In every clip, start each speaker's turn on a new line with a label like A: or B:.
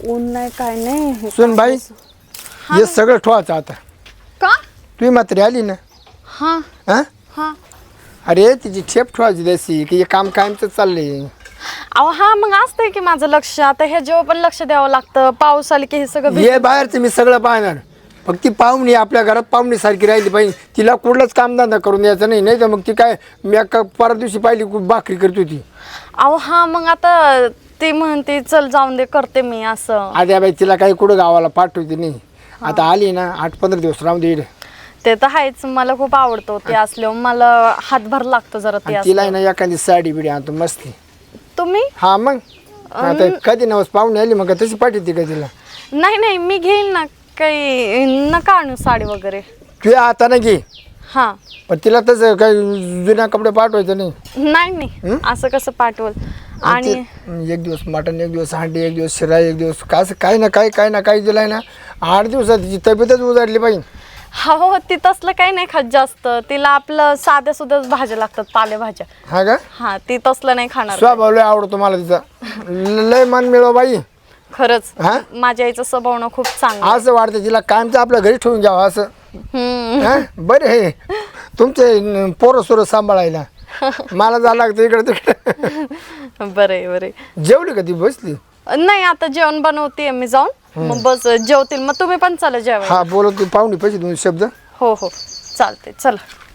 A: ऊन नाही काय नाही.
B: सुन बाई हे सगळं ठेवायचं आता.
A: का?
B: तुम्ही मात्र आली ना.
A: हा
B: हा
A: हा.
B: अरे तिची ठेप ठेवायची द्यायची की हे काम कायमचं चाललंय.
A: अहो हा मग असतंय की माझं लक्ष. आता हे जेव्हा पण लक्ष द्यावं लागतं. पाऊस आले की हे सगळं
B: हे बाहेरचं मी सगळं पाहणार. फक्त ती पाहुणी आपल्या घरात पाहुणीसारखी राहिली पाहिजे. तिला कुठलंच कामधंदा करून द्यायचं नाही. नाही तर मग ती काय मी परत दिवशी पाहिली भाकरी करत होती.
A: अहो हा मग आता ती म्हणते चल जाऊन दे करते मी असं.
B: आद्या बाई तिला काही कुठं गावाला पाठवते नाही. आता आली ना 8-15 दिवस राहून दे.
A: ते तर आहेच. मला खूप आवडतो ते असल्यावर. मला हातभार लागतो जरा ते
B: तिला
A: असल्यावर.
B: ना एखादी साडी बिडी आणतो मस्ती.
A: तुम्ही?
B: हा मग आता कधी नवस पाहुणे आली मग तशी पाठवते का तिला?
A: नाही नाही मी घेईन ना. काही नका आणू साडी वगैरे.
B: तू आता ना घे.
A: हा
B: पण तिला तसं काही जुन्या कपडे पाठवायचं नाही.
A: नाही नाही असं कसं पाठवल. आणि
B: एक दिवस मटण, एक दिवस अंडी, एक दिवस शिरा, एक दिवस कसं काही ना काही दिलाय ना. 8 दिवसात तिची तब्येतच उजाडली पाहिजे.
A: हो ती तसलं काही नाही खात जास्त. तिला आपलं साध्या सुद्धा भाज्या लागतात पालेभाज्या.
B: हा का?
A: हा ती तसलं नाही खाणार.
B: स्वभाव लय आवडतो मला तिचा. लय मन मिळव बाई.
A: खरंच
B: हा?
A: माझ्या आईचं स्वभाव ना खूप चांगलं.
B: असं वाटतं तिला कायमचं आपल्या घरी ठेवून घ्यावं असं.
A: हम्म.
B: बरे हे तुमचे पोरं सोरं सांभाळायला मला जावं लागतं इकडे तिकडे.
A: बरे बरे.
B: जेवली का ती बसली?
A: नाही आता जेवण बनवते मी जाऊन. मग बस जेवतील. मग तुम्ही पण चला जेवायला.
B: हा बोलत पाहुणी पैसे 2 शब्द.
A: हो हो चालते चला.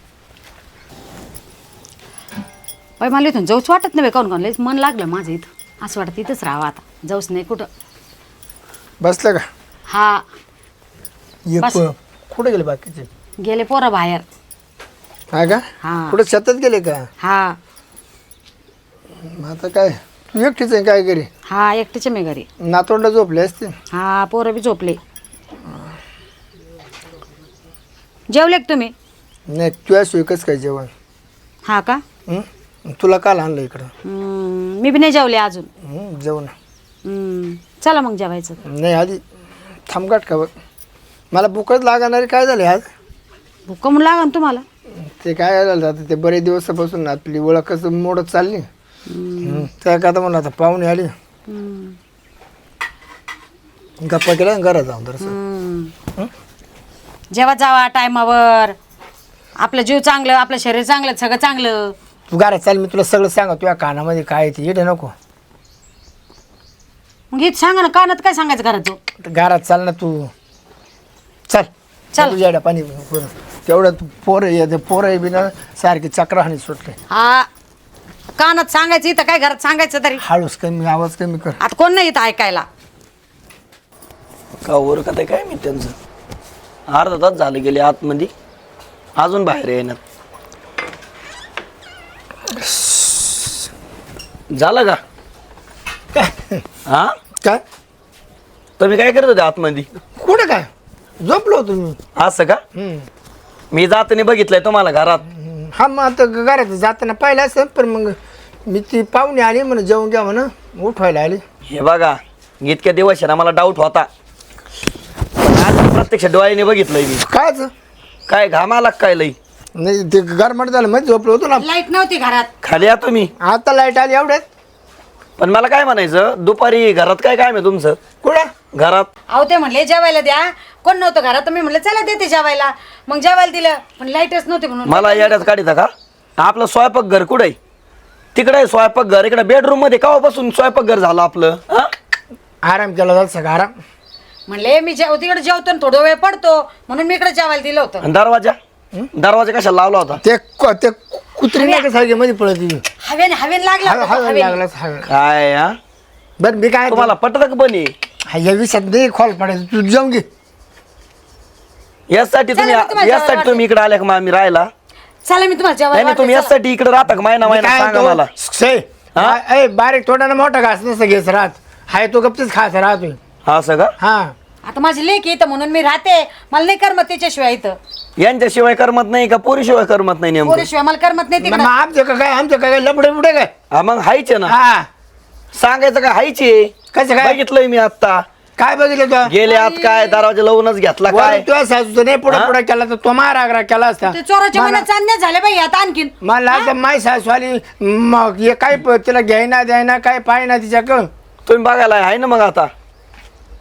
C: बाई मला इथून जाऊच वाटत नाही. काऊन लयच मन लागलं माझं इथं. असं वाटतं इथंच राहावं आता. जाऊच नाही कुठं.
B: बसलं का?
C: हा बस.
B: कुठे गेले बाकीचे?
C: गेले पोरं बाहेर.
B: हा का?
C: हा
B: कुठे शेतात गेले का?
C: हा
B: मग आता काय तू एकटीच आहे काय घरी?
C: हा एकटीचे मी घरी.
B: नातवंड झोपले असते.
C: हा पोरं बी झोपले. जेवले का तुम्ही?
B: नाही तुझ्याशिवाय कसं काय जेवण?
C: हा का?
B: तुला काल आणलं इकडं?
C: मी बी नाही जेवले अजून.
B: जेवण
C: चला मग जेवायचं.
B: नाही आधी थांबगाट का बघ. मला भूकच लागणारी काय झाली आज?
C: भूक म्हणून लागा ना तुम्हाला.
B: ते काय झालं आता ते बरेच दिवसापासून आपली ओळखच मोडत चालली. त्या का म्हणलं आता पाहुणे आली गप्पा केला घरात जाऊन तर
C: जेव्हा जावा टायमावर. आपलं जीव चांगलं, आपलं शरीर चांगलं, सगळं चांगलं.
B: तू घरात चाल मी तुला सगळं सांगा. तुझ्या कानामध्ये काय येते येते नको.
C: मग हे सांगा ना कानात काय सांगायचं घरात.
B: घरात चाल ना तू. चल
C: चल.
B: तुझ्या पाणी तेवढं पोरं बी ना सारखी चक्राहाणी सुटले.
C: हा कानात सांगायचं इथं काय घरात सांगायचं तरी.
B: हळूच कमी आवाज कमी कर.
C: आता कोण नाही येत ऐकायला.
D: का वर का ते काय मी त्यांचं अर्धा तास झालं गेले आतमध्ये अजून बाहेर येणार. झालं का? हा
B: काय
D: तुम्ही काय करत होते आतमध्ये?
B: कुठे काय झोपलो होतो मी.
D: असं का? मी जाताना बघितलंय तुम्हाला घरात.
B: हा मग आता घरात जाताना पाहिलं असं. पण मग मी ती पाहुणे आली म्हणून जेवून घ्या म्हणून उठवायला आली.
D: हे बघा इतक्या दिवस आहे ना मला डाऊट होता. पण आज प्रत्यक्ष डोळ्याने बघितलंय मी.
B: कायच
D: काय घाम आला काय लई?
B: नाही ते गरमट झालं मध्ये झोपलो होतो ना.
C: लाईट नव्हती घरात.
D: खाली या तुम्ही.
B: आता लाईट आली एवढ्यात.
D: पण मला काय म्हणायचं दुपारी घरात काय काम आहे तुमचं?
B: कुठं?
D: घरात
C: अहो ते म्हणले जेवायला द्या. कोण नव्हतं घरात. मी म्हणलं चला देते जेवायला. मग जेवायला दिलं पण लाईटच नव्हती म्हणून.
D: मला येड्यात काढिता का? आपलं स्वयंपाक घर कुठे आहे? तिकडे आहे स्वयंपाक घर. इकडे बेडरूम मध्ये केव्हापासून स्वयंपाक घर झालं आपलं?
B: आराम केला जात सगळं आराम.
C: म्हणले मी तिकडे जेवतो आणि थोडा वेळ पडतो म्हणून मी इकडे जेवायला दिलं होतं.
D: आणि दरवाजा कशाला लावला होता?
B: ते कुत्री नाही का सारखी मध्ये पळत
C: हवेन लागला होता तो, हवेने.
B: लागला हवे.
D: काय हा?
B: बरं मी काय
D: तुम्हाला पटत का पण
B: या विषयात नाही खोल पडायचं. तू जाऊन घे.
D: यासाठी
C: चला, मी तुम्हाला
D: यासाठी तुम्ही इकडे आल्या का? मी राहिला
C: चला मी तुम्हाला जेवायला
D: नाही तुम्ही
C: वाढते,
D: यासाठी इकडे राहता का? महिना सांगा मला.
B: बारीक तोंडाने मोठा घास नसतं घ्यायचं राहत. हाय तो गपचीच खायचा राहतोय.
D: हा सगळं
B: हा
C: चला. आता माझी लेक इथं म्हणून मी राहते. मला नाही करमत त्याच्याशिवाय इथं.
D: यांच्याशिवाय करमत नाही का? पोरीशिवाय करमत नाही नेमकं?
C: पोरीशिवाय मला करमत नाही
B: मग
C: तिकडं.
B: आमचं काय लपडे बुडे काय?
D: हा मग हायचे ना.
B: हा
D: सांगायचं का? हायचे.
B: कसं काय?
D: बघितलंय मी आता.
B: काय बघितलं तू?
D: गेले आत काय दरवाजा लावूनच घेतला काय?
B: तुझ्या सासूचं नाही पुढे पुढे केला तर तो मारा केला असता.
C: ते चोराच्या मनात चांदण्या झाल्या बाई आता आणखीन.
B: मला असं माय सासू आली मग हे काय तिला घ्यायना द्यायना काय पाहिना तिच्याकडं.
D: तुम्ही बघायला आहे ना मग आता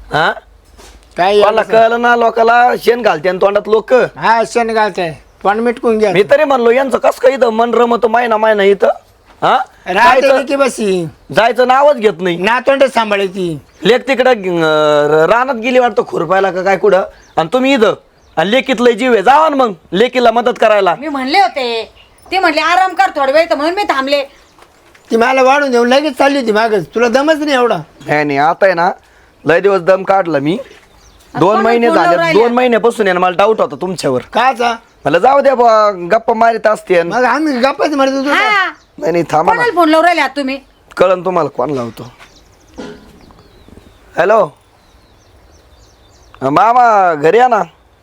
D: हा
B: काय
D: मला कळलं ना लोकाला शेण घालते आणि तोंडात लोक
B: हा शेण घालताय पण मिटकून घ्या
D: मी तरी म्हणलो यांचं कस काय इथं मन रमत महिना इथं हा
B: राहते
D: जायचं-
B: की बसी
D: जायचं नावच घेत नाही
B: नातोंड सांभाळायची.
D: लेक तिकडं रानात गेली वाटतं खुरपायला का काय कुठं आणि तुम्ही इथं आणि लेकीत लय जीव आहे जावा ना मग लेकीला मदत करायला.
C: मी म्हणले होते ते म्हणले आराम कर थोडा वेळ तर म्हणून मी थांबले.
B: ती मला वाढून देऊन लगेच चालली होती मागच. तुला दमच नाही एवढा.
D: नाही आता आहे ना लय दिवस दम काढला मी 2 महिने
C: फोनवर
D: झाले
C: राहिल्या.
D: 2 महिन्यापासून आहे ना मला डाऊट होता तुमच्यावर.
B: काचा
D: मला जाऊ द्या बुवा, गप्पा मारित असते
B: मग आम्ही गप्पाच मारत होतो.
C: हा
D: नाही थांबा ना
C: कोणाला फोन लावून राहिले आहात तुम्ही?
D: कळन तुम्हाला कोण लावतो. हॅलो मामा घरी या ना.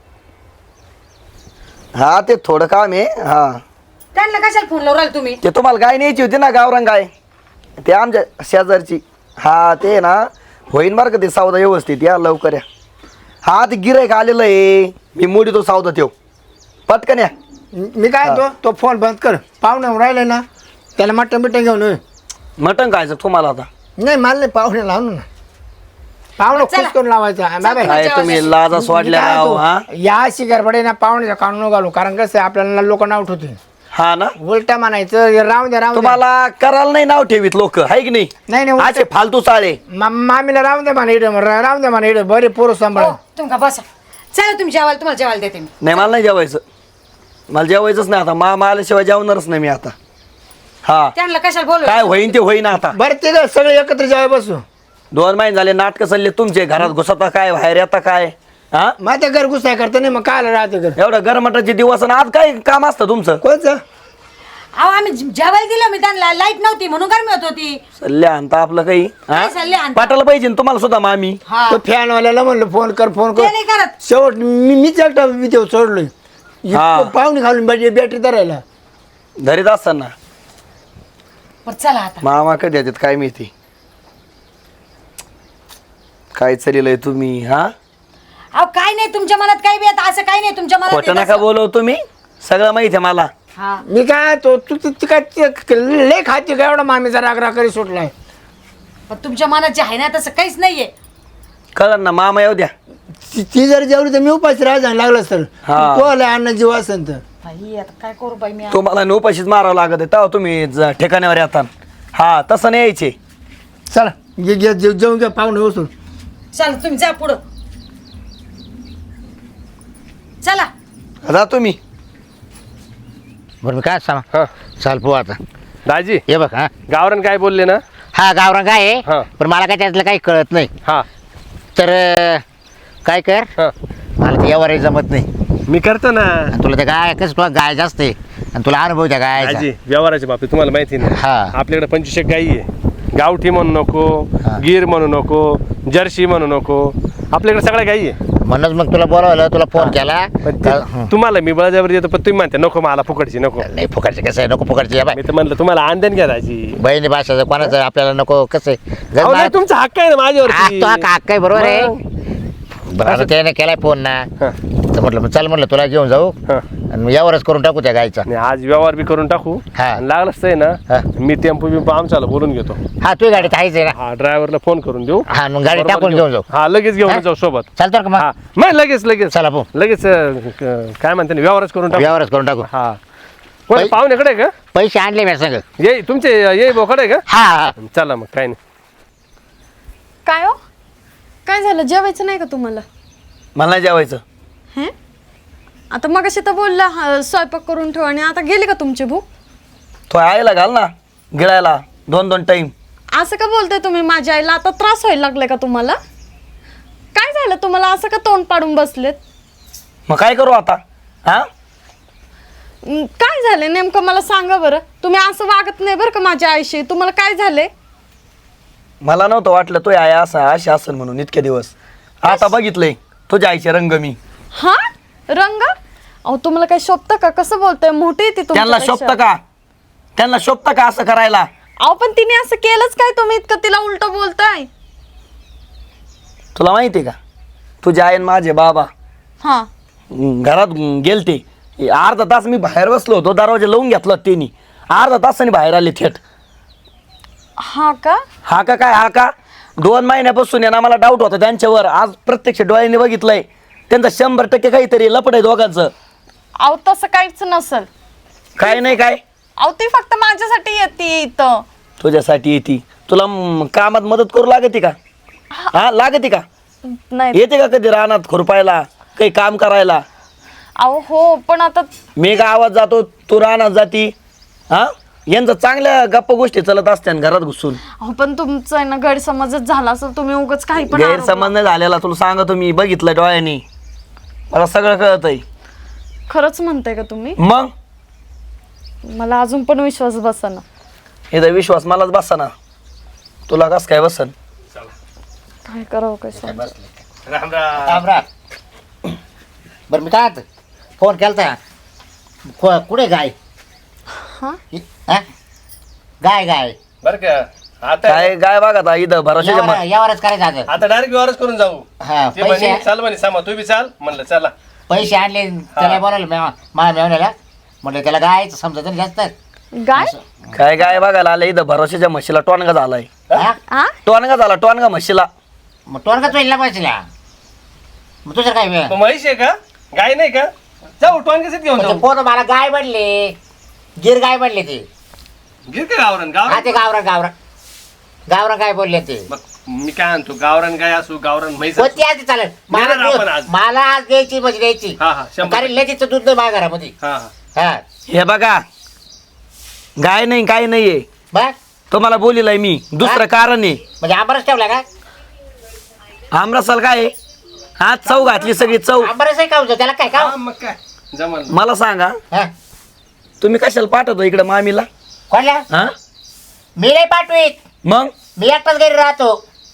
D: हा ते थोडं काम आहे. हा
C: त्यांना कशाला फोन लावून राहिले तुम्ही?
D: ते तुम्हाला गाय न्यायची होती ना गावरान गाय ते आमच्या शेजारची. हा ते ना होईन बरं का ते सौदा व्यवस्थित या लवकर या. हा ते गिरायक आलेलं आहे मी मोडी तो सौदा ठेव पटकन या.
B: मी काय तो फोन बंद कर. पाहुणे राहिले ना त्याला मटण बिटण घेऊन ये.
D: मटण खायचं तुम्हाला आता.
B: नाही मला नाही पाहुणे लावून ना. पाहुणे खुश करून लावायचा. बाबा
D: काय तुम्ही लाजा सोडल्या राव हा.
B: या शिकारपडे ना पाहुण्याच्या काढून घालू. कारण कसं आहे, आपल्याला लोक नाव ठेवतील.
D: हा ना
B: उलटा म्हणायचं राहून द्या राहून द्या.
D: तुम्हाला करायला नाही नाव ठेवीत लोक हाय की नाही.
B: नाही नाही
D: असे फालतू चाळे.
B: मामीला राहून द्या म्हणा इकडे राहून द्या म्हणा इकडे बरे पोरं सांभाळ.
C: हो, तुम्ही का बसा. चला तुम्ही जेवायला तुम्हाला जेवायला देते मी.
D: नाही मला नाही जेवायचं. मला जेवायचंच नाही आता मामा आल्याशिवाय जेवणारच नाही मी आता. हा
C: त्यांना कशाला बोलू?
D: काय होईन ते होईन आता.
B: बरं ते काय सगळे एकत्र जेवाय बसू.
D: 2 महिने झाले नाटक चालले तुमचे घरात घुसता काय बाहेर येता काय हा.
B: मग ते घर घुसाय करता नाही मग काय राहते घर
D: एवढं गरमटाचे दिवस आणि आज काय काम असतं तुमचं.
B: कोणचं.
C: अहो आम्ही जेवायला दिलं मी त्यांना लाईट नव्हती म्हणून गरमी होत होती.
D: सल्ले आणता आपलं काही
C: काय सल्ले आणता?
D: पाठायला पाहिजे ना तुम्हाला सुद्धा मामी.
C: हा
B: तो फॅनवाल्याला म्हणलं फोन कर फोन
C: ते
B: कर.
C: नाही करत.
B: शेवट मीच एकटा मी ते सोडलोय.
D: हा.
B: पाहुणे घालून बॅटरी धरायला.
D: धरीत असताना
C: बरं चला आता.
D: मामा कधी येतात काय माहिती. काय चाललंय तुम्ही हा.
C: अहो काय नाही तुमच्या मनात काही बी आता असं काही नाही तुमच्या मनात
D: खोटं
C: येत
D: नका
C: असं.
D: बोलव तुम्ही सगळं माहिती आहे मला.
C: हा
B: मी काय तू काय लय खाती का एवढा मामीचा राग करी सुटलाय.
C: पण तुमच्या मनात जे आहे ना तसं काहीच नाहीये.
D: कळलं ना मामा येऊ द्या.
B: ती जर जेवली तर मी उपाशी राहा लागलं सर.
D: हा.
B: तो आला अन्न जीव असेल तर.
C: बाई आता काय करू बाई मी.
D: तुम्हाला नोपाशीच मारावं लागत आहे तेव्हा तुम्ही ठिकाणावर येतात. हा तसं नाही यायचे.
B: चला जेवून घ्या पाहुणे बसून.
C: चला तुम्ही जा पुढं. चला
D: जा तुम्ही.
E: बरं मी काय सांग
F: हा
E: चाल पो आता
F: दाजी
E: ये बघ हा
F: गावरान काय बोलले ना.
E: हा गावरान काय
F: हा.
E: आहे पण मला काय त्यातलं काही कळत नाही.
F: हा
E: तर काय कर
F: हा
E: मला ते यावर जमत नाही.
F: मी करतो ना
E: आणि तुला ते गाय कसं तुला गाय जास्त आहे आणि तुला अनुभव त्या गायचा.
F: दाजी व्यवहाराच्या बाबतीत तुम्हाला माहिती नाही.
E: हा.
F: आपल्याकडे 25 गायी आहे. गावठी म्हणू नको
E: हा.
F: गीर म्हणू नको जर्सी म्हणू नको आपल्याकडे सगळ्या गायी आहे.
E: म्हणूनच मग तुला बोलावलं तुला फोन केला.
F: पण ते तुम्हाला मी बळजबरी देतो पण तुम्ही म्हणते नको मला फुकटची नको.
E: नाही फुकटचे कसं आहे नको फुकटचे या बाय
F: मी तर म्हणलं तुम्हाला आंदण घ्या दाजी.
E: बहिणी भाषाचं कोणाचं आपल्याला नको कसं आहे
F: अहो, नाही, तुमचा हक्क आहे ना माझ्यावरती.
E: तो हक्क आहे बरोबर आहे.
F: मग.
E: बरं आता त्याने केलाय फोन ना
F: हा.
E: तर म्हटलं चल म्हटलं तुला घेऊन जाऊ
F: हा.
E: आणि यावरच करून टाकू त्या गायचा.
F: नाही, आज व्यवहार बी करून टाकू.
E: हा.
F: आणि लागलंच आहे
E: हा.
F: ना मी टेम्पो बिम्पो आमच्याला बोलून घेतो.
E: हा तुझी गाडी तर आहेच आहे ना.
F: हा ड्रायव्हरला फोन करून देऊ.
E: हा, मग गाडी
F: बरोबर
E: टाकून घेऊन जाऊ.
F: हा लगेच घेऊन
E: हा?
F: जाऊ सोबत.
E: चालतं का
F: हा
E: मग
F: मग लगेच
E: चला भाऊ
F: लगेच काय म्हणते ना व्यवहारच करून टाकू.
E: व्यवहारच करून टाकू.
F: हा कोण
E: पै-
F: पाहुण्याकडे आहे का
E: पैसे आणले मी सांग.
F: ये तुमचे ये बोकडे आहे का.
E: हा हा
F: चला मग काय नाही.
A: काय हो काय झालं जेवायचं नाही का तुम्हाला.
D: मला नाही जेवायचं.
A: हे आता मग तर बोलला स्वयंपाक करून ठेव आणि आता गेली का तुमची भूक.
D: तो आईला घाल ना गिळायला 2-2 टाईम.
A: असं का बोलताय तुम्ही माझ्या आईला. आता त्रास व्हायला लागलाय का तुम्हाला. काय झालं तुम्हाला असं का तोंड पाडून बसलेत.
D: मग काय करू आता हा.
A: काय झालंय नेमकं मला सांगा बरं. तुम्ही असं वागत नाही बरं का माझ्या आईशी. तुम्हाला काय झालंय.
D: मला नव्हतं वाटलं तो आई असं अशी असेल म्हणून इतके दिवस. आता बघितलंय तुझ्या आईचे रंग मी.
A: हा रंग. अहो तुम्हाला काय शोभतं का. कसं बोलतोय मोठी ती
D: त्यांना शोभतं का त्यांना शोभतं का असं करायला.
A: अहो पण तिने असं केलंच काय तुम्ही इतकं तिला उलट बोलताय.
D: तुला माहिती आहे का तुझ्या आई आणि माझे बाबा
A: हा
D: घरात गेलते. अर्धा तास मी बाहेर बसलो होतो दरवाजा लावून घेतला त्यांनी. अर्धा तासाने बाहेर आले थेट.
A: हा का.
D: हा का काय हा का. 2 महिन्यापासून आहे ना मला डाऊट होता त्यांच्यावर. आज प्रत्यक्ष डोळ्याने बघितलंय त्यांचं 100% काहीतरी लपड आहे दोघांचं.
A: अहो तसं काहीच नसल.
D: काय नाही काय
A: अहो ती फक्त माझ्यासाठी येते इथं.
D: तुझ्यासाठी येते. तुला कामात मदत करू लागते का? हा लागते का?
A: नाही
D: येते का कधी रानात खुरपायला काही काम करायला?
A: अहो हो पण आता
D: मी गावात जातो तू रानात जाती. हा यांचं चांगल्या गप्पा गोष्टी चालत असत्या घरात घुसून.
A: अहो पण तुमचं आहे ना गैरसमजच झाला असेल. तुम्ही उगाच काही पण
D: गैरसमज नाही झालेला तुला सांगतो मी. बघितलं डोळ्यानी मला सगळं कळतंय.
A: खरंच म्हणताय का तुम्ही?
D: मग
A: मला अजून पण विश्वास बसेना.
D: हे विश्वास मलाच बसा ना. तुला कस काय बसन?
A: काय करावं काय समजेना.
F: राम राम.
E: राम राम. बरं मी काय फोन केलता कुठे गाय?
A: हा
E: हा? गाय गाय
F: बर का आता
D: काय गाय बघा इथं भरोशाच्या
E: यावरच करायचं आता.
F: आता डायरेक्ट व्यवहारच करून जाऊ.
E: हा
F: ते म्हणे
E: पैसे
F: चाल म्हणे सामा तू बी चाल म्हणलं चला.
E: पैसे आणले त्याला बोलावलं माझ्या मेवण्याला म्हटलं त्याला गायचं समजत नाही जास्त.
A: गाय
D: काय गाय बघायला आलं इथं भरोशाच्या म्हशीला टोनगा झालाय.
E: हा?
A: हा
D: टोनगा झाला टोनगा म्हशीला.
E: मग टोनका चोईला पैसेला मग तुझं काय
F: मग म्हैस आहे का गाय नाही का? जाऊ टोन कसे घेऊन जाऊ.
E: पोरं मला गाय बनले गिर गाय बनले ते.
F: गिर का गावरान
E: हा ते
F: गावरान.
E: गावरा काय बोलले ते.
F: मग मी काय आणतो गावरान गाय असू गावरान म्हैस
E: कोणती
F: असू.
E: आज चालेल
F: देणार आपण आज.
E: मला आज द्यायची म्हणजे द्यायची.
F: हा हा 100.
E: कारण लगेच दूध नाही माझ्या घरामध्ये.
F: हा हा
E: हा
D: हे बघा गाय नाही काय नाहीये.
E: बघ
D: तुम्हाला बोलिलाय मी. दुसरं कारण आहे.
E: म्हणजे आंबरस ठेवला का?
D: आमरसाल काय आहे? हा चव घातली सगळी चव.
E: आंबरस आहे का होतं? त्याला काय का?
F: हा, मग काय जमल.
D: मला सांगा
E: हा?
D: तुम्ही कशाला पाठवतो इकडे मामीला?
E: कोणला?
D: हा
E: मी नाही पाठवीत.
D: मग
E: मी एकटाच घरी राहतो.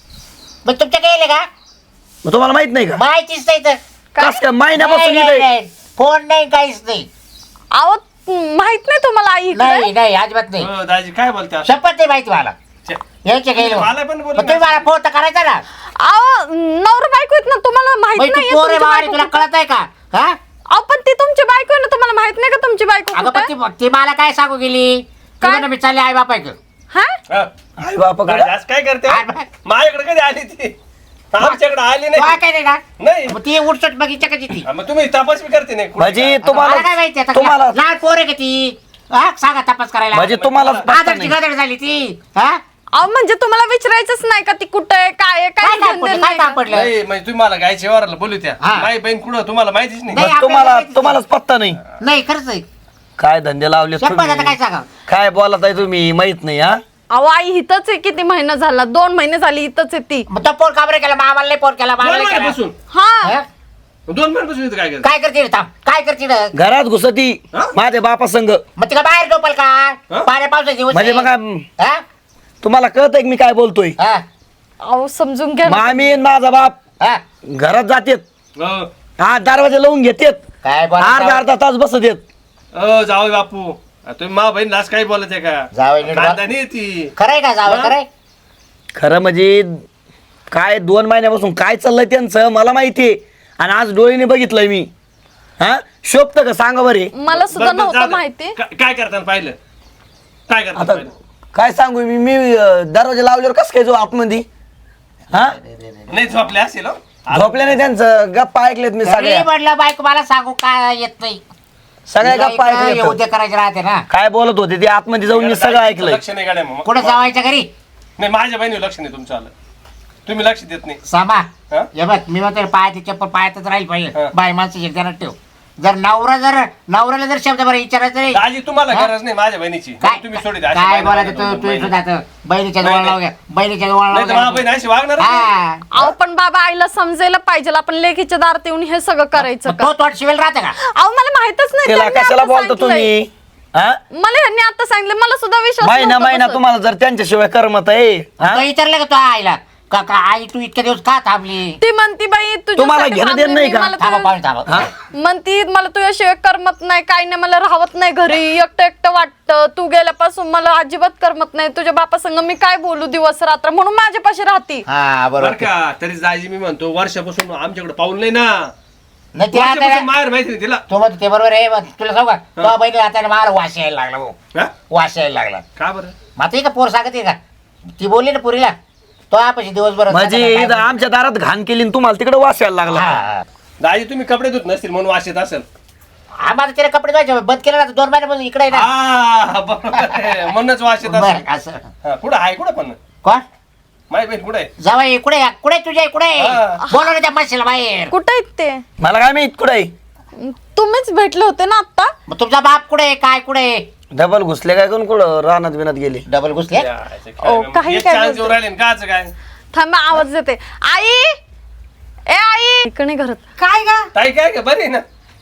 E: मग तुमच्या गेले का?
D: मग तुम्हाला माहित नाही का?
E: माहितीच नाही तर.
D: कस काय महिन्यापासून
E: नाही,
D: इथं-
E: नाही. फोन नाही काहीच नाही.
A: अहो माहित नाही तुम्हाला आई इकडे?
E: नाही नाही अजिबात नाही.
F: हो, दाजी काय बोलते आता?
E: शपथ नाही माहिती मला.
F: छे,
E: यायचे गेलो
F: मला पण बोलू
E: तुम्ही मला फोन तर करायचा ना.
A: अहो नवरा बायको आहेत ना तुम्हाला माहित
E: मग तू
A: नाही
E: पोर आहे बाबा, तुला कळत आहे का? हा?
A: अहो पण ती तुमची बायको आहे ना. तुम्हाला माहित नाही का तुमची बायको
E: अगं
A: कुठे
E: पण ती मला काय सांगू गेली?
A: काय?
E: काय मी चालले आई बापायक.
A: हा
F: हा.
D: आई बापाकडे
F: आज काय करते
E: काय बघ?
F: माझ्याकडे कधी आली ती? आमच्याकडे आली नाही.
E: काय नाही ना
F: नाही
E: मग ती उठसट बघितच्या का ती?
F: हा, मग तुम्ही तपास बी करते नाही कुठे
D: म्हणजे
E: आता मला काय
D: तुम्हाला
E: माहिती आता?
D: तुम्हाला
E: लहान पोर आहे का ती? हा सांगा तपास करायला.
D: म्हणजे तुम्हाला पत्ता
E: आदरची
D: नाही.
E: गदर झाली ती. हा?
A: अहो म्हणजे तुम्हाला विचारायचंच नाही का ती कुठे आहे काय आहे
E: काय
A: काय
E: काम
A: घेऊन
E: पडलं?
A: देणं
E: काय
A: नाही
E: काम
A: का?
E: पडलं?
F: नाही म्हणजे तुम्ही मला गायच्या व्यवहाराला बोलू त्या.
E: हा.
F: माझी बहीण कुठं तुम्हाला माहितीच नाही.
E: नाही.
D: मग तुम्हाला
E: आपल्याला
D: तुम्हालाच पत्ता नाही.
E: नाही खरंच आहे.
D: काय धंदे लावले
E: शपथ आता काय
D: तुम्ही?
E: सांगा?
D: काय बोलत आहे तुम्ही माहित नाही. हा
A: अहो आई इथंच आहे. किती महिना झाला 2 महिने झाली इथंच आहे ती.
E: मग तो फोन का बरं केला? मामाला नाही फोन केला, मामाला
F: दोन
E: नाही केला.
F: महिन्यापासून
A: हा
E: हा?
F: 2 महिन्यापासून इथं काय करते?
E: काय करते रे? थांब. काय करते रे?
D: घरात घुसती
F: हा?
D: माझ्या बापा संग.
E: मग तिला बाहेर झोपल का?
F: हा?
E: पाण्या पावसाचे दिवस
D: म्हणजे
E: आहे.
D: मग
E: हा?
D: तुम्हाला कळत आहे मी काय बोलतोय?
E: हा?
A: अहो समजून घ्या ना.
D: मामी आणि माझा बाप
E: हा?
D: घरात जातेत.
F: हो.
D: हा दरवाजे लावून घेतेत.
E: काय बोला
D: अर्धा तास बसत येत.
F: जाऊ बापू तुम्ही मा बहीण लाच काही बोलत आहे का?
E: जावई नीट
F: कांदा नाही ती.
E: खरंय का जावं?
F: हा?
E: खरंय?
D: खरं म्हणजे काय 2 महिन्यापासून काय चाललंय त्यांचं मला माहितीये. आणि आज डोळीने बघितलंय मी. हा शोभत का सांगा बरे.
A: मला सुद्धा
F: बरं, बरं,
A: नव्हतं
F: जाऊ दे.
A: माहिती.
F: काय करताना पाहिलं? काय करताना
D: आता
F: पाहिलं?
D: काय सांगू मी दरवाजे लावल्यावर कसं काय जो आतमध्ये. हा
F: नाही झोपले असेल हो.
D: झोपल्याने त्यांचं गप्पा ऐकलेत मी
E: घरी
D: सगळ्या
E: म्हटलं बायको मला सांगू काय येत नाही.
D: सगळ्या
E: तुला
D: गप्पा
E: इकडं
D: ऐकलेत.
E: उद्या करायचे राहते ना.
D: काय बोलत होते ते आतमध्ये जाऊन मी सगळं ऐकलंय.
F: लक्ष नाही गाड्या मग.
E: कुठं जावायच्या घरी?
F: नाही माझ्या बहिणीवर लक्ष नाही तुमचं आलं. तुम्ही लक्ष देत नाही.
E: सामा
F: हा?
E: हे बघ मी म्हणतो पायाची चप्पल पायातच राहील पाहिजे.
F: हा.
E: बाय माणसं एक जणात ठेव. जर नवऱ्याला जर शब्द बरं विचारायचं नाही.
F: दाजी तुम्हाला
E: हा?
F: गरज नाही माझ्या बहिणीची.
E: काय
F: तुम्ही सोडी
E: काय बोलायचं तू सुद्धा आता बहिणीच्या जवळ लाव घ्या. बहिणीच्या जवळ लाव
F: माझ्या बहीण
E: घ्या.
F: अशी वागणार
E: हा.
A: अहो पण बाबा आईला समजायला पाहिजे. आपण लेकीच्या दारात येऊन हे सगळं करायचं
E: मग
A: का?
E: तो तोट शिवेल राहते का?
A: अहो मला माहितच नाही.
D: त्याला
A: त्यांनी
D: कशाला
A: आता
D: बोलता
A: सांगितलंय.
D: तुम्ही? हा
A: मला ह्यांनी आता सांगितलं. मला सुद्धा विश्वास
D: महिना
A: नव्हता
D: महिना
A: बसत.
D: तुम्हाला जर त्यांच्याशिवाय करमत आहे. हा?
E: तो विचारलं का तो आईला का का आई तू इतके दिवस का थांबली?
A: ती म्हणती बाई
D: तुम्हाला
A: तुझ्यासाठी
D: घेणं देणं
A: थांबले
D: नाही
A: मी,
D: का?
A: मला
E: थांबा
A: तुझ्या-
E: पाहुणे थांबा.
D: हा?
A: म्हणती मला तुझ्याशिवाय करमत नाही काही नाही. मला राहत नाही घरी. एकटं एकटं वाटतं. तू गेल्यापासून मला अजिबात करमत नाही. तुझ्या बापासंग मी काय बोलू दिवस रात्र म्हणून माझ्यापाशी राहती.
E: हा
F: बरं
E: बरोबर.
F: का तरी दाजी मी म्हणतो वर्षापासून आमच्याकडे पाऊल नाही ना.
E: नाही ते
F: वर्षापासून
E: आता
F: माहेर माहिती नाही तिला.
E: तो म्हणतो ते बरोबर आहे. मग तुला सांगू का तो बहिणी आता मला वास यायला लागला भाऊ.
F: हा?
E: वास यायला लागला.
F: का बरं?
E: मग आता का पोर सांगते का? ती बोलली ना पुरीला तो आपशी दिवसभर
D: म्हणजे इथं आमच्या दारात घाण केली आणि तुम्हाला तिकडे वास यायला लागला
E: हा.
F: दाजी तुम्ही कपडे धुत नसतील म्हणून वास येत असेल.
E: आम्हाला त्याला कपडे धुवायचे बंद केलं ना 2 महिन्यापासून इकडे आहे ना.
F: हा, बरोबर आहे. म्हणूनच वास येत
E: बरं,
F: असेल.
E: असं
F: हा, कुठं आहे कुठं पण
E: कोण
F: माय बहीण कुठे आहे?
E: जावई कुठे कुठे तुझ्या कुठे
F: हा.
E: बोलव ना त्या मशीला बाहेर.
A: कुठे आहेत ते?
D: मला काय माहित कुठे
A: तुम्हीच भेटले होते ना आता.
E: मग तुमचा बाप कुठे काय कुठे
D: डबल घुसले काय कोण कुठं रानात बिनात गेले.
E: डबल घुसले.
A: ओ, काही
F: एक
A: काय
F: chance
A: बोलतोय?
F: देऊन राहिले ना, काचं काय
A: थांबा आवाज देते. आई ए आई इकडे घरात.
C: काय गा
F: ताई काय का बरी आहे ना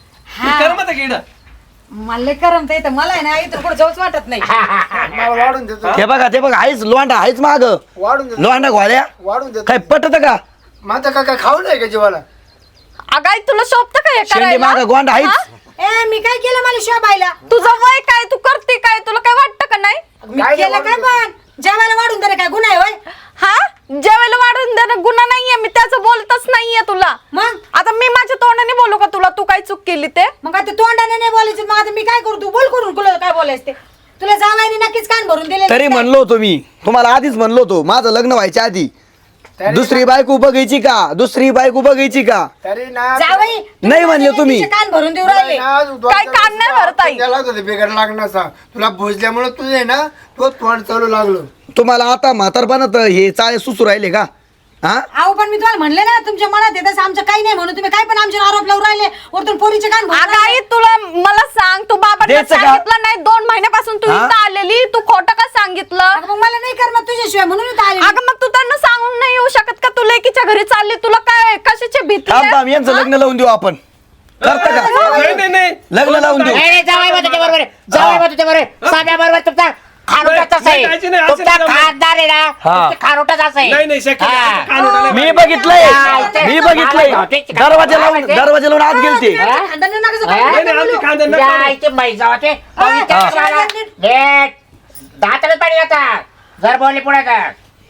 F: करमत किड
C: मला करमत येतं मला आहे ना इथं कुठं जाऊच वाटत नाही.
B: मला वाढून देतो
D: ते बघा आहेच लोंडा आहेच माग
B: वाढून देतो
D: लोंडा घोड्या
B: वाढून देतो
D: काय पटत का
B: माझं काय खाऊ नाही का जीवाला
A: अगं आई तुला शोभतं का हे
D: शेंडी
A: करायला?
D: माग गोंडा
A: हा?
D: आहेच
C: ए मी काय केलं मला शोभायला
A: तुझं वय काय तू करते काय तुला काय वाटतं का नाही?
C: मी केलं काय पण जेवायला वाढून दे काय गुन्हा आहे होय
A: हा जेवायला वाढून देणं गुन्हा नाहीये मी त्याचं बोलतच नाहीये तुला.
C: मग
A: आता मी माझ्या तोंडाने बोलू का तुला तू काय चूक केली ते?
C: मग आता तोंडाने नाही बोलायचं मग आता मी काय करू तू बोल करून तुला काय बोलायचं ते तुला जावायने नक्कीच कान भरून दिले
D: तरी म्हणलो होतो मी तुम्हाला आधीच म्हणलो होतो माझं लग्न व्हायच्या आधी दुसरी बायको बघायची का दुसरी बायको बघायची का
B: तरी ना
C: जावई
D: नाही म्हणले तुम्ही.
C: कान भरून देऊ राहिले
A: काय कान नाही भरत आई?
B: त्याला होतं बेकार लागण्याचा तुला भोजल्यामुळे तुझे ना तो तोंड चालू लागलो
D: तुम्हाला आता म्हातारपणात हे चाळे सुसू राहिले का हा
C: अहो पण मी तुम्हाला म्हणले ना तुमच्या मनात आहे तसं आमचं काही नाही म्हणून तुम्ही काय पण आमच्यावर आरोप लावून राहिले वरतून पोरीचे कान भरून
A: अगं
C: राहिले.
A: आई तुला मला सांग तू बाबांना
D: द्यायचं का?
A: सांगितलं नाही 2 महिन्यापासून तू
D: हा?
A: इथं आलेली तू खोटं का सांगितलं?
C: अगं मग मला नाही करमत तुझ्याशिवाय म्हणून इथं आले मी.
A: अगं मग तू त्यांना सांगून नाही येऊ शकत का तू लेकीच्या घरी चालली तुला काय कशाची भीती
D: थांब
A: आहे?
D: थांब यांचं लग्न लावून देऊ आपण करता का
F: नाही नाही
D: लग्न लावून देऊ
E: नाही जावई बा तुझ्या बरोबर जावई बा तुझ्या बरोबर साध्या बरोबर तुमचा खारोटाच असं
F: नाही, काळजी नाही,
E: आहे
F: असं
E: तुमचा
F: नाही जमत.
E: खासदार आहे ना
D: हा.
E: तुमचा खारोटाच असं आहे.
F: नाही नाही शक्य नाही.
E: हा.
F: कान उडाले
D: मी
F: पाहिजे.
D: बघितलंय
E: हा,
D: मी बघितलंय दरवाजा लावून आत गेलते
C: तुमच्या खानदानी नका असं
E: हा?
C: बोलू.
F: नाही, नाही, आमची खांदा नका
E: या
F: बोलू.
E: इथे मै जावाचे पवित्र
C: हा.
E: मला नीट दाताला पाणी आता जर बोलले पुढे का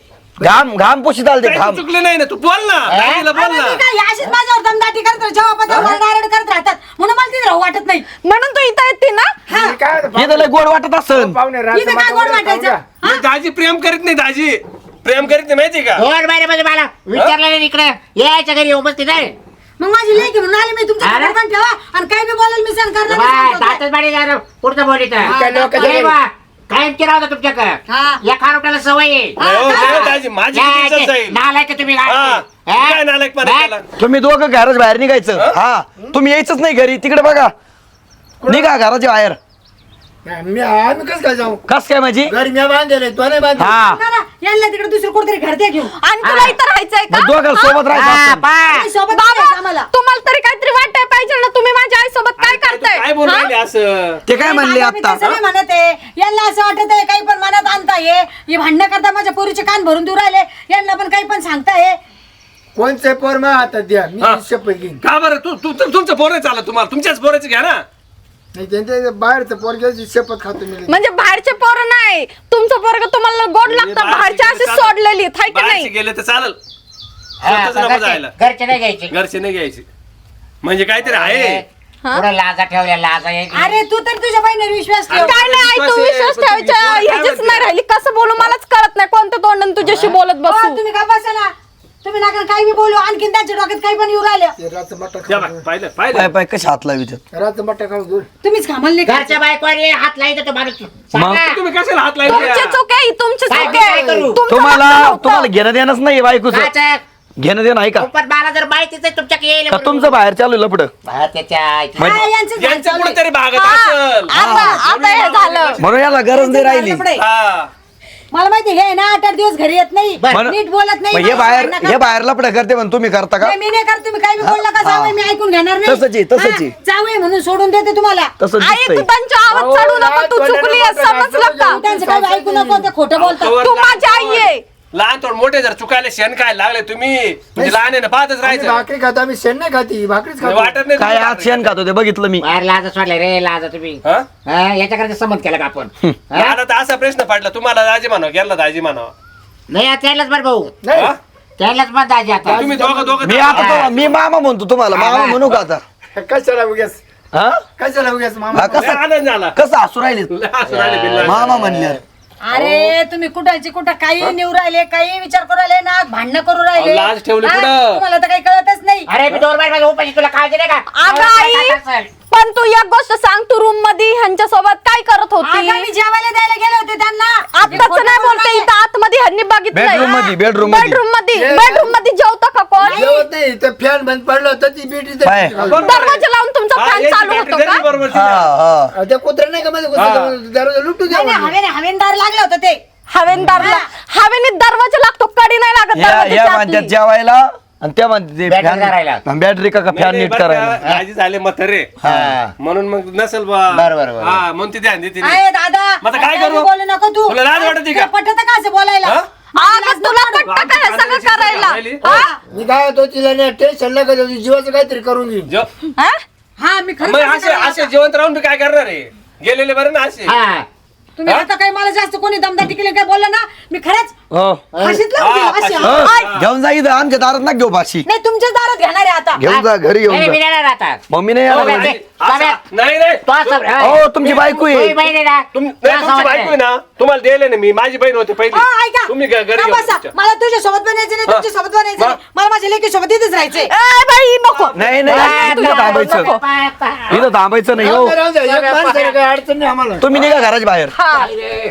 D: घाम पोशीत आलते
F: काही
D: घाम
F: चुकले नाही ना तू बोल ना दाजीला बोल
C: अरे
F: ना
C: मी काय ही अशीच माझ्यावर दमदाटी करत राहते, जेव्हा पत्र मला डायरेक्ट करत राहतात म्हणून मला तिथे राहू वाटत नाही
A: म्हणून तू इथं येते ना.
B: मी काय होतं,
D: हे तर लय गोड वाटत असन
B: पाहुणे
C: इथं काय गोड वाटायचं
F: मग दाजी प्रेम करीत नाही दाजी प्रेम करीत नाही माहिती का
E: 2 महिन्यामध्ये मला विचारलं नाही इकडे यायच्या घरी उपस्थित नाही
C: मग माझी लेकी म्हणून आली मी तुमच्या
E: अरे.
C: घरात पण ठेवा आणि काय बी बोलेल मी सहन करणार
E: बाय,
C: नाही, सांगतो काय.
E: दातच पाणी झालं पुढचं बोलित
B: काय लोकांच्या घरी-
E: कायम केला होता तुमच्याकडे
C: हा.
E: या खारोट्याला सवय आहे.
F: नाही हो, नाही हो, दाजी माझी किती इज्जत जाईल
E: नालायक तुम्ही
F: हा,
E: हा?
F: काय नालायकपणा
E: बाय.
F: केला?
D: तुम्ही दोघं घराच बाहेर निघायचं हा तुम्ही यायचंच नाही घरी तिकडे बघा निघा घराच्या बाहेर
B: मी आम्ही कसं काय जाऊ
D: कस काय माझी
B: घरी मी बांधले तो नाही बांधले
D: हा
C: ना, ना, यांना तिकडे दुसरं कोणतरी घर द्या घेऊन
A: आणि तुला इथं राहायचंय का?
D: मग दोघं सोबत
E: हा,
D: राहायचं असेल.
E: बाय.
C: आणि सोबत नाही
A: बाबा
C: आम्हाला
A: तुम्हाला तरी काहीतरी वाटाय पाहिजे ना तुम्ही माझ्या आई सोबत काय
F: तू
A: करताय?
F: काय बोल
A: हा?
F: राहिले असं
D: ते काय म्हणले
C: दादा, मी
D: आता
C: तसं नाही म्हणत आहे यांना असं वाटत आहे काही पण मनात आणताय हे भांडणं करता माझ्या पोरीचे कान भरून देऊ राहिले यांना पण काही पण सांगताय
B: कोणचे पोर मग हातात द्या मी
F: हा.
B: शपथ घेईन
F: का बरं तुमचं पोर नाही चालत तुम्हाला तुमच्याच पोराचं घ्या ना
B: नाही त्यांच्या बाहेरचं पोर घ्यायची शपथ खातो मी
A: म्हणजे बाहेरचे पोरं नाही तुमचं पोरग तुम्हाला गोड लागतं बाहेरचे असे सोडलेली हाय का
F: बाहेरचे
A: नाही?
F: गेले तर चालेल
E: हा,
F: स्वतःच नको
E: घरचे
F: जायला
E: घरचे नाही घ्यायचे
F: घरचे नाही घ्यायचे म्हणजे काहीतरी आहे
E: पुढे लाजा ठेवल्या लाजा यायची.
C: अरे तू तर तुझ्या बहिणीवर विश्वास ठेव
A: काय नाही आई तू
F: विश्वास आहे,
A: विश्वास
F: पण तुम्ही
A: ठेवायच्या
F: विश्वास काय
A: ह्याचीच
F: म्हणते?
A: नाही राहिली कसं बोलू मलाच कळत नाही कोणत्या तोंडाने तुझ्याशी बोलत
C: हो,
A: बसू.
C: तुम्ही का बसा ना तुम्ही नका काही बी बोलू आणखीन त्यांच्या डोक्यात काही पण येऊ राहिलं
B: ते रातचं मट्टा
F: या
B: खाऊ
F: बा, पाहिलं पाहिलं
D: पाय पाय कशी हात लावी
B: रातचं मट्टा खाऊ दूर
C: तुम्हीच कामाला नाही करायचं.
E: घरच्या बायकोने हात लाईत तो माणूस सांगा.
F: तुम्ही कशाला हात
A: तुमची
F: लावले
A: चूक आहे तुमची
E: काय
A: चूक आहे
E: करू?
A: तुमचं
D: तुम्हाला
A: वाटलं नव्हतं.
D: तुम्हाला घेणं देणंच नाही बायकोचं
E: काचं?
D: घेणं देणं आहे का
E: पण मला जर माहितीच आहे तुमच्या येईल
D: का तुमचं बाहेर चालू लपड
E: हा, त्याच्या आईची-
C: हा, यांचं झाड
F: यांचं
C: चालू आहे.
F: कुठेतरी भागत
A: हा,
F: असेल
A: आता हे झालं
D: म्हणून याला गरज नाही राहिली
C: लफडं आहे.
F: हा
C: मला माहिती हे ना 8-8 दिवस घरी येत नाही
D: म्हणून-
C: नीट बोलत नाही
D: मग हे
C: मला
D: बाहेर
C: भांडणं
D: हे
C: करता.
D: बाहेर लपड करते पण तुम्ही करता का
C: नाही, मी नाही करत तुम्ही काही बी बोलला का जावई मी ऐकून घेणार नाही
D: तसंच आहे, तसंच आहे.
C: हा, जावई म्हणून सोडून देते तुम्हाला
D: तसं
A: आई तू
D: दिसतंय
A: त्यांच्या आवाज चढू नको तू चुकली आहे, समजलं का?
C: तू त्यांचं काही ऐकू नको ते खोटं बोलतात
F: कवर
A: तू
F: लहान
A: माझी आई
F: पोर.
A: आहे.
F: लहान थोड मोठे जर चुकायला शेण काय लागले तुम्ही म्हणजे लहान आहे ना पाहतच
B: आम्ही
F: राहायचं
B: भाकरी खातो आम्ही शेण नाही खाती भाकरीच खातो
F: वाटत नाही
D: काय
F: तुम्हाला.
D: आज शेण खातो ते बघितलं मी
E: बाहेर लाजा सोडले रे लाजा तुम्ही
F: हा?
E: हा, याच्याकडे संबंध केला का आपण हा?
F: आता तर असा प्रश्न पडला तुम्हाला दाजी म्हणावं गेला दाजी म्हणावं
E: नाही आता त्यालाच बरं भाऊ
B: नाही
F: हा?
E: त्यालाच मग दाजी आता
F: तुम्ही दोघं दोघं
D: मी आता मी मामा म्हणतो तुम्हाला मामा म्हणू का आता
B: कशाला उग्यास
D: हा
B: कशाला उग्यास मामा
D: हा,
F: लय
D: कसं
F: आनंद झाला
D: कसं हसू राहिले
F: लय हसू राहिले बिल्ला.
D: मामा म्हणल्यावर
C: अरे तुम्ही कुठायची कुठं काही निव राहिले काही विचार करू राहिले ना भांडणं करू राहिले
F: अहो, लाज ठेवली
C: हा?
F: कुठं?
C: तुम्हाला तर काही कळतच नाही
E: अरे मी 2 बार माझ्या उपाशी तुला काळजी नाही का
A: अगं आई पण तू एक गोष्ट सांग, तू रूम मध्ये ह्यांच्या सोबत काय करत होती?
C: अगं, मी जेवायला द्यायला गेले होते त्यांना
A: आताच नाही बोलते, इथं आतमध्ये ह्यांनी बघितलंय.
D: Bedroom मध्ये, bedroom मध्ये.
A: बेडरूम मध्ये जेवता का कोण?
B: जेवत नाही तर फॅन बंद पडला तर ती बेटी
D: काय?
A: दरवाजा लावून तुमचा
F: हा,
A: फॅन
F: याची
A: चालू
F: बॅटरी
A: होतो
F: तरी
A: का?
F: बरोबर
D: हा
F: तिला.
D: हा
B: त्या कुत्र्या नाही का मध्ये दरवाजा लुटू द्या
C: नाही,
B: म्हणलं.
C: हवेनदार लागलं होतं ते
A: हवेने दरवाजा लागतो, कडी नाही लागत
D: या
A: दरवाजाच्या
D: म्हणतात
A: आतली.
D: जेवायला आणि त्या म्हणते
E: Battery करायला.
D: बॅटरी का
F: नाही,
D: फॅन
F: नाही,
D: नीट
F: बरं
D: करायला
F: का, राजी झाले म्हातारे
E: हा.
F: म्हणून मग नसेल बा
E: बरं.
F: हा म्हणून ती ध्यान देते
C: आहे दादा
F: मग आता काय
C: आता
F: करू?
C: बोलू नको तू
F: तुला लाज वाटते का?
C: पटत का असं बोलायला
F: हा?
A: अगं, तुला पटतं का हे सगळं करायला? हा?
B: मी काय होतो तिला नाही टेन्शन नका देऊ, जीवाचं काहीतरी करून घेईन.
A: हा?
C: हा मी खरं
F: मग
C: सांगते
F: असे
C: दादा.
F: असे जिवंत राहून मी काय करणार आहे? गेलेले बरं ना असे
E: हा
C: तुम्ही आता काही मला जास्त कोणी दमदाटी केली काय बोललं ना मी खरंच
D: हो
C: फाशीत लावून देईन, अशी.
D: हो, घेऊन जा इथं आमच्या दारात ना घेऊ भाषी
C: नाही तुमच्याच दारात घेणार आहे आता
D: घेऊन जा घरी
E: नाही,
D: घेऊन
E: मी
D: जा
E: नाही राहता
D: मम्मी नाही
E: हो,
D: येणार
E: नाही.
D: घरी.
F: असं- नाही नाही
E: तो असं
D: हो तुमची बायको आहे
E: तुझी बहीण आहे ना
F: नाही,
E: तुला
F: तुमची
E: समजतं
F: बायको आहे ना तुम्हाला द्यायला ना मी माझी बहीण होते पहिली
C: हो, ऐका
F: तुम्ही घरी
C: ना
F: घेऊन
C: बसा.
F: तुमच्या.
C: मला तुझ्या सोबत बनायचं नाही तुमच्या सोबत बनायचं नाही मला माझ्या लेकी सोबत इथेच राहायचंय
A: ए बाई नको.
D: नाही नाही इथं थांबायचं इथं थांबायचं नाही हो
B: राहून द्या, एक माणसाला काही अडचण नाही आम्हाला.
D: तुम्ही निघा घराच्या बाहेर
A: हा.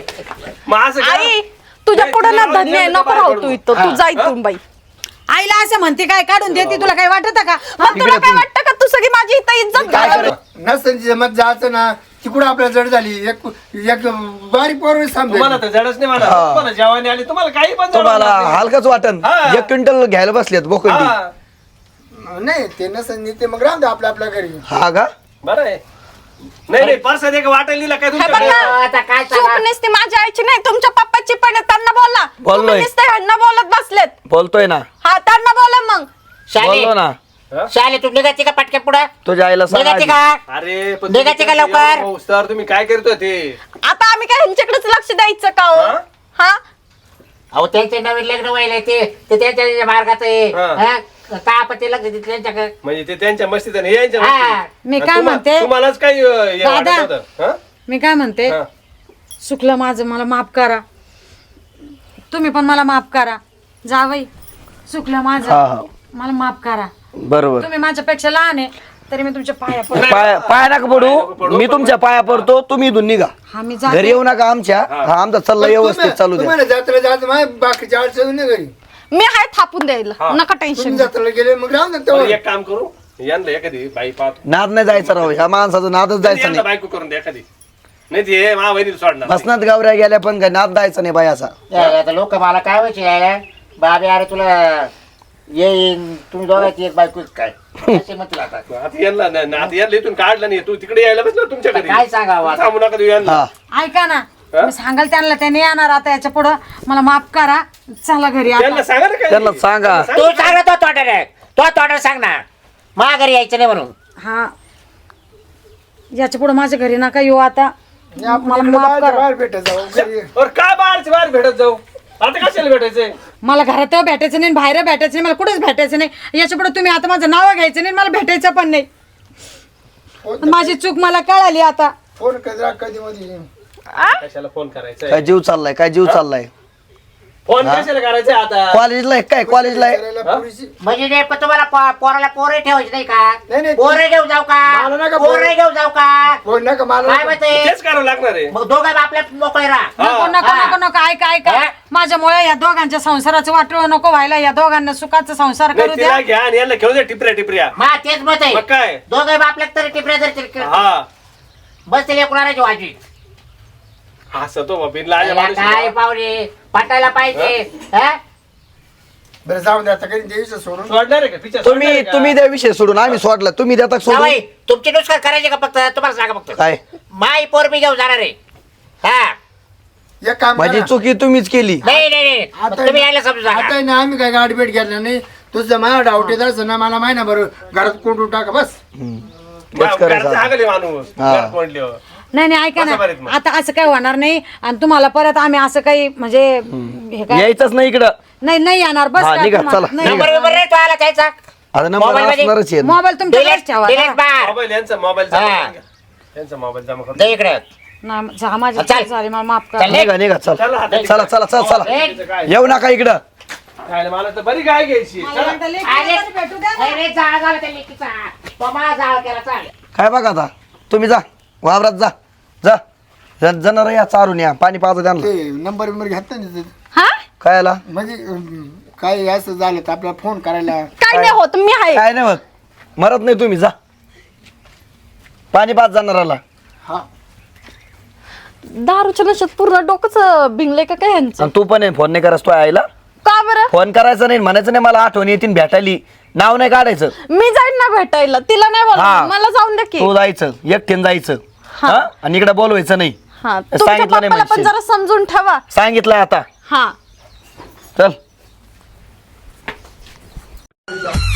F: मग असं का?
A: आई तुझ्या पुढे ना धन्य आहे, नको राहू तू इथं, तू जा इथून बाई.
C: आईला असं म्हणते काय काढून देते तुला काय वाटत का
A: मग तुला काय वाटतं का तू सगळी माझी इथं इज्जत
B: काय
A: घालव?
B: करू? नसतं जमत जायचं ना तिकडं आपल्याला जड झाली एक बारीक पोर
F: तुम्हाला तर जडच नाही म्हणा
D: हा.
F: तुम्हाला जेवणी आली तुम्हाला काही पण
D: तुम्हाला
F: जडवणार नाही.
D: हलकच वाटन
F: हा.
D: 1 क्विंटल घ्यायला बसलेत बोकंडी
F: हा.
B: नाही ते नसतं ते मग राहून द्या आपल्या घरी.
D: हा का
F: बरं आहे नाही नाही परसाद एक वाटायला दिला काय
A: हे बघ
F: तुमच्याकडे
A: ना,
E: आता काय
A: चूक
E: सांगा
A: नसते माझ्या आईची नाही तुमच्या पप्पाची पण आहे, त्यांना बोला.
D: बोललोय.
A: तुम्ही नुसते ह्यांना बोलत बसलेत.
D: बोलतोय ना
A: हा त्यांना बोला मग.
E: शाली
D: बोललो ना
E: शाली तू निघायची का पटक्या पुढं
D: तुझ्या आईला सांग
E: निघायची
D: आधी.
E: का
F: अरे पण
E: निघायचे का लवकर?
F: सर तुम्ही काय करतो ते
A: आता आम्ही काय ह्यांच्याकडेच लक्ष द्यायचं का हो?
F: हा?
A: हा
E: अहो त्यांचे नवीन लग्न व्हायला ते त्यांच्या मार्गात आहे
F: हा.
E: हा? काय आपत्ती लग्न दिली त्यांच्याकडे
F: म्हणजे ते त्यांच्या मस्तीत आणि हे यांच्या
E: हा.
F: मस्तीत.
C: मी
F: आणि
C: काय म्हणते?
F: तुम्हालाच काही हे वाटत
C: दादा.
F: होतं, हा?
C: मी काय म्हणते
F: हा.
C: चुकलं माझं मला माफ करा तुम्ही पण मला माफ करा जावई चुकलं
D: हा,
C: माझं
D: हा.
C: मला माफ करा
D: बरोबर
C: तुम्ही माझ्यापेक्षा लहान आहे तरी मी तुमच्या पाया पडते.
D: पाया नका पडू मी तुमच्या पाया पडतो तुम्ही इथून निघा
C: हा मी
D: घरी
C: जाते
D: येऊ नका आमच्या हा आमचा सल्ला व्यवस्थित चालू द्या
B: तुम्हाला जत्रा जायचं माझ्या बाकीच्या अडचण नाही घरी.
A: मी आहे थापून द्यायला, नका टेन्शन
B: तुम्ही जत्रेला गेले मग राहून द्या
F: बरं,
B: तेव्हा.
F: एक काम करू यांना एखादी बाई पाहतो
D: नाद नाही जायचं राव ह्या माणसाचं नादच जायचं
F: यांना
D: नाही
F: बायको करून द्या एखादी नाही ते मा वहिनीला सोडणार नाही.
D: बसनात गावऱ्या गेल्या पण काय नाद जायचं नाही बाई असा
E: आता लोक मला काय व्हायचे यायला बाबे अरे तुला येईन तुम्ही दोघांची एक बायको काय असे म्हणतील आता
F: आता यांना आता यांना इथून काढलं नाही तू तिकडे यायला बसलो तुमच्या घरी
E: काय सांगावं आता?
F: थांबू नका देऊ यांना
D: हा
C: ऐका ना मी सांगाल त्यांना त्याने येणार आता याच्या पुढं मला माफ करा चला घरी
F: त्यांना
C: आता
F: सांगा ना काय
D: त्यांना सांगा
E: तू सांग ना तो तोटाने सांग ना मा घरी यायचं नाही म्हणून
C: हा याच्या पुढे माझ्या घरी नका येऊ आता
B: आपण
C: मला
B: इकडे
C: माफ
B: बाहेर
C: करा
B: बाहेर भेटत जाऊ घरी.
F: और काय बाहेर भेटत जाऊ आता कशाला भेटायचंय
C: मला घरात भेटायचं नाही बाहेर भेटायचं नाही मला कुठेच भेटायचं नाही याच्या पुढे तुम्ही आता माझं नाव घ्यायचं नाही मला भेटायचं पण नाही माझी चूक मला कळाली आता
B: फोन कधी मध्ये
F: कशाला फोन करायचा
D: काय जीव चाललाय काय जीव चाललाय
F: फोन कशाला करायचा आता
D: कॉलेजला आहे काय कॉलेजला आहे
B: करायला पुरीशी
E: म्हणजे नाही पण तुम्हाला पोराला पोरे ठेवायचे नाही
B: नाही, नाही.
E: का पोरे घेऊन जाऊ
B: मला नका
E: का
B: पोरं.
E: पोरे घेऊन जाऊ का
B: फोन नका मला
E: काय
B: नका.
E: म्हणते
F: तेच करावं लागणार आहे
E: मग दोघं आपल्या मोकळे राहा
C: नको नको
E: हा.
C: नको नको ऐका ऐका
E: हा?
C: माझ्यामुळे या दोघांच्या संसाराचं वाटोळ नको व्हायला या दोघांना सुखाचा संसार
F: नाही,
C: करू
F: तिला
C: द्या
F: घ्या आणि यांना घेऊन द्या टिपऱ्या
E: मा तेच मत आहे
F: मग काय
E: दोघं आपल्या तरी टिपऱ्या जर
F: हा
E: बस तिला कुणाची वाजी
F: हसतो बाबीन लाजा
E: याला
F: माणूस
E: काय
F: आहे.
E: पाहुणे पटायला पाहिजे हा?
B: बरं जाऊन द्या आता काही द्यायचं सोडून
F: सोडणार आहे का पिक्चर
D: तुम्ही द्या विषय सोडून आम्ही सोडला तुम्ही देता सोडून
E: जावई, तुमची नुसकान करायची का फक्त तुम्हाला सांगा फक्त
D: काय
E: माई पोर मी घेऊन जाणार आहे हा
B: एक काम
D: माझी
B: करा.
D: चुकी तुम्हीच केली
E: नाही नाही नाही मग
B: आता
E: तुम्ही यायला समजू
B: आता
E: सांगा
B: आहे ना आम्ही काय गाडी भेट घेतला नाही तुझं माझ्या डाऊट येत असं ना मला माहिती ना बरं घरात कोंडून टाका बस
D: बस करायचं
F: हागले माणूस
D: हा.
F: घरात कोंडल्यावर.
C: नाही नाही ऐका
F: बसा बरं
C: ना
F: मग.
C: आता असं काही होणार नाही आणि तुम्हाला परत आम्ही असं काही म्हणजे हे काय
D: यायचंच नाही इकडं
C: नाही नाही येणार बस
D: हा,
C: काय
D: निघा,
C: तुम्हाला-
D: चला,
C: नाही.
D: निघा.
E: नंबर बिंबर नाही तो आला त्याचा
D: आता नंबर
E: मोबाईल मध्ये-
D: असणारच आहे
C: मोबाईल तुमच्याकडेच ठेवा
E: डिलीट बार
F: मोबाईल यांचा मोबाईल
E: हा.
F: यांचा मोबाईल जमा
E: दे
F: करतो
E: इकडे
C: नाही जा माझी
E: चल.
C: चूक झाली मला माफ
E: चल,
C: करा.
D: निघा निघा चल चला चला चला चला येऊ नका इकडं.
F: खायला मला तर बरी काय घ्यायची.
C: मला एकदा लेकीला तरी भेटू द्या ना.
E: अरे जाळ झाला त्या लेकीचा तो मला जाळ केला चाल
D: काय बघा आता तुम्ही जा वावरात जा जा जनावर या चारून या पाणी पाहतो त्यांना.
B: ते नंबर बिंबर घेत नाही
A: हा
D: काय आला
B: म्हणजे काय असं झालं तर आपल्याला फोन करायला.
A: काय नाही होत मी आहे.
D: काय नाही होत मरत नाही तुम्ही जा पाणी पाच जनावराला.
B: हा
A: दारूच्या नशेत पूर्ण डोकंच भिंगले का काय ह्यांचं.
D: आणि तू पण आहे, फोन नाही करायचं तो आईला.
A: का बरं
D: फोन करायचं नाही म्हणायचं नाही मला आठवण येतील भेटायली नाव नाही काढायचं.
A: मी जाईन ना भेटायला तिला नाही
D: हा.
A: बोला मला जाऊन द्या की.
D: तू जायचं एकटीन जायचं
A: हा.
D: हा? आणि इकडे बोलवायचं नाही.
A: हा तुमच्या
D: सांगितलं नाही
A: पप्पाला पण
D: म्हणशील.
A: जरा समजून ठेवा.
D: सांगितलं आता
A: हा
D: चल.